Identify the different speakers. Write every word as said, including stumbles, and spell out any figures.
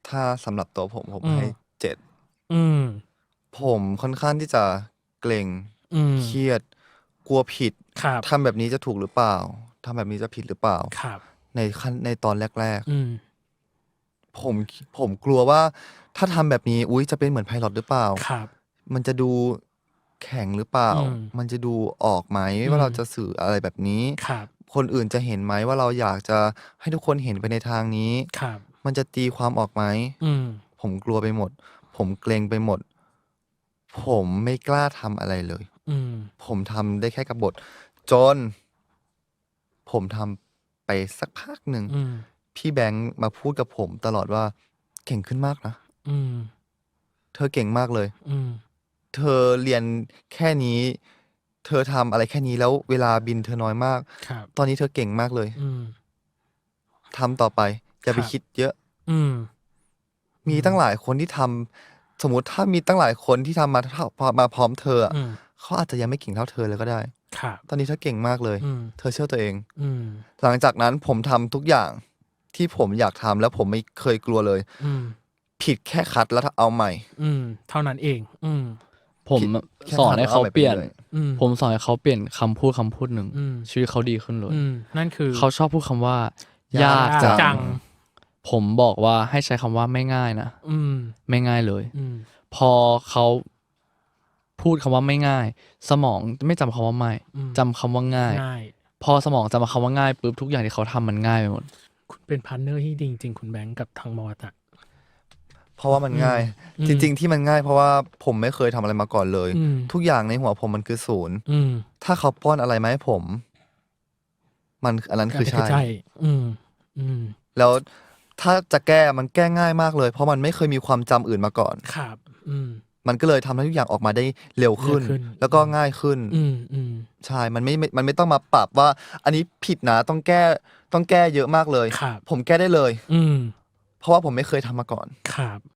Speaker 1: ถ้าสำหรับตัวผม ผม
Speaker 2: อืม
Speaker 1: ให้ เจ็ด
Speaker 2: อืม
Speaker 1: ผมค่อนข้างที่จะเกร็ง
Speaker 2: อืม
Speaker 1: เครียด กลัวผิด
Speaker 2: ครับ
Speaker 1: ทำแบบนี้จะถูกหรือเปล่า ทำแบบนี้จะผิดหรือเปล่า
Speaker 2: ครับ
Speaker 1: ในขั้น ในตอนแรก
Speaker 2: อืม
Speaker 1: ๆ ผม ค ผมกลัวว่า ถ้าทำแบบนี้ อุ๊ย จะเป็นเหมือน Pilot หรือเปล่า
Speaker 2: ครับ
Speaker 1: มันจะดูแข็งหรือเปล่า
Speaker 2: อืม
Speaker 1: มันจะดูออกไหม
Speaker 2: อื
Speaker 1: ว่าเรา
Speaker 2: ม
Speaker 1: จะสื่ออะไรแบบนี้
Speaker 2: ครับ
Speaker 1: คนอื่นจะเห็นไหมว่าเราอยากจะให้ทุกคนเห็นไปในทางนี้
Speaker 2: ครับ
Speaker 1: มันจะตีความออกไหม
Speaker 2: อืม
Speaker 1: ผมกลัวไปหมด ผมเกร็งไปหมด ผมไม่กล้าทำอะไรเลย
Speaker 2: อืม
Speaker 1: ผมทำได้แค่กับบท จน ผมทำไปสักพักหนึ่ง
Speaker 2: อืม
Speaker 1: พี่แบงค์มาพูดกับผมตลอดว่า "เก่งขึ้นมากนะ"
Speaker 2: อืม
Speaker 1: "เธอเก่งมากเลย
Speaker 2: อืม
Speaker 1: เธอเรียนแค่นี้ เธอทำอะไรแค่นี้ แล้วเวลาบินเธอน้อยมาก
Speaker 2: ครับ
Speaker 1: ตอนนี้เธอเก่งมากเลย
Speaker 2: อืม
Speaker 1: ทำต่อไป อย่าไป
Speaker 2: ครับ
Speaker 1: คิดเยอะ"
Speaker 2: อืม อื
Speaker 1: มีตั้ง
Speaker 2: ม
Speaker 1: หลายคนที่ทำ สมมุติถ้ามีตั้งหลายคนที่ทำมาเท่า พอ มาพร้อมเธออะ
Speaker 2: อืม
Speaker 1: เขาอาจจะยังไม่เก่งเท่าเธอเลยก็ได้
Speaker 2: ครับ
Speaker 1: ตอนนี้เธอเก่งมากเลย
Speaker 2: อืม
Speaker 1: เธอเชื่อตัวเอง
Speaker 2: อืม
Speaker 1: หลังจากนั้นผมทำทุกอย่างที่ผมอยากทำ แล้วผมไม่เคยกลัวเลย
Speaker 2: อืม
Speaker 1: ผิดแค่คัดแล้ว ท เอาใหม่
Speaker 2: อืม เท่านั้นเอง อืม
Speaker 3: ผม
Speaker 1: ผิด
Speaker 3: อะ
Speaker 1: แค่
Speaker 3: สอ
Speaker 1: คั
Speaker 3: น
Speaker 1: ด
Speaker 3: ให
Speaker 1: แ
Speaker 3: ้
Speaker 1: ล้ว
Speaker 3: เข
Speaker 1: เอา
Speaker 3: า
Speaker 1: ใหม่
Speaker 3: เ
Speaker 1: ไป
Speaker 3: ปลี่ยน
Speaker 1: เรื่อย
Speaker 2: อืม
Speaker 3: ผมสอนให้เขาเปลี่ยนคำพูดคำพูดหนึ่ง
Speaker 2: อืม
Speaker 3: ชีวิตเขาดีขึ้นเลย
Speaker 2: อืม นั่นคือ
Speaker 3: เขาชอบพูดคำว่า
Speaker 1: ย
Speaker 3: "ยาก
Speaker 1: าก
Speaker 3: จั
Speaker 1: จั
Speaker 3: ง"
Speaker 1: ง
Speaker 3: ผมบอกว่า "ให้ใช้คำว่าไม่ง่ายนะ"
Speaker 2: อืม
Speaker 3: ไม่ง่ายเลย
Speaker 2: อืม
Speaker 3: พอเขาพูดคำว่าไม่ง่าย สมองไม่จำคำว่าไม่
Speaker 2: อืม
Speaker 3: จำคำว่าง่าย
Speaker 2: ง่าย
Speaker 3: พอสมองจำคำว่าง่ายปุ๊บ ทุกอย่างที่เขาทำมันง่ายไปหมด
Speaker 2: คุณเป็นพาร์ตเนอร์ที่ดีจริง ๆ คุณแบงค์กับทางมอ อะ
Speaker 1: เพราะว่ามัน
Speaker 2: อืม
Speaker 1: ง่าย
Speaker 2: อืม
Speaker 1: จริง ๆ ที่มันง่าย เพราะว่าผมไม่เคยทำอะไรมาก่อนเลย
Speaker 2: อืม
Speaker 1: ทุกอย่างในหัวผมมันคือ ศูนย์
Speaker 2: อืม
Speaker 1: ถ้าเขาป้อนอะไรมาให้ผม มัน อันนั้น
Speaker 2: อันนั้น
Speaker 1: คือใช
Speaker 2: คือ่ ใช่ อืม อืม
Speaker 1: แล้วถ้าจะแก้มันแก้ง่ายมากเลย เพราะมันไม่เคยมีความจำอื่นมาก่อน
Speaker 2: ครับ อืม
Speaker 1: มันก็เลยทำให้ทุกอย่างออกมาได้เร็วขึ้น
Speaker 2: เร็วขึ้น
Speaker 1: แล้วก็ง่ายขึ้น
Speaker 2: อืม ๆ
Speaker 1: ใช่ มันไม่ ไม่ มันไม่ต้องมาปรับว่า อันนี้ผิดนะ ต้องแก้ ต้องแก้เยอะมากเลย
Speaker 2: ครับ
Speaker 1: ผมแก้ได้เลย
Speaker 2: อืม
Speaker 1: เพราะว่าผมไม่เคยทำมาก่อน
Speaker 2: ครับ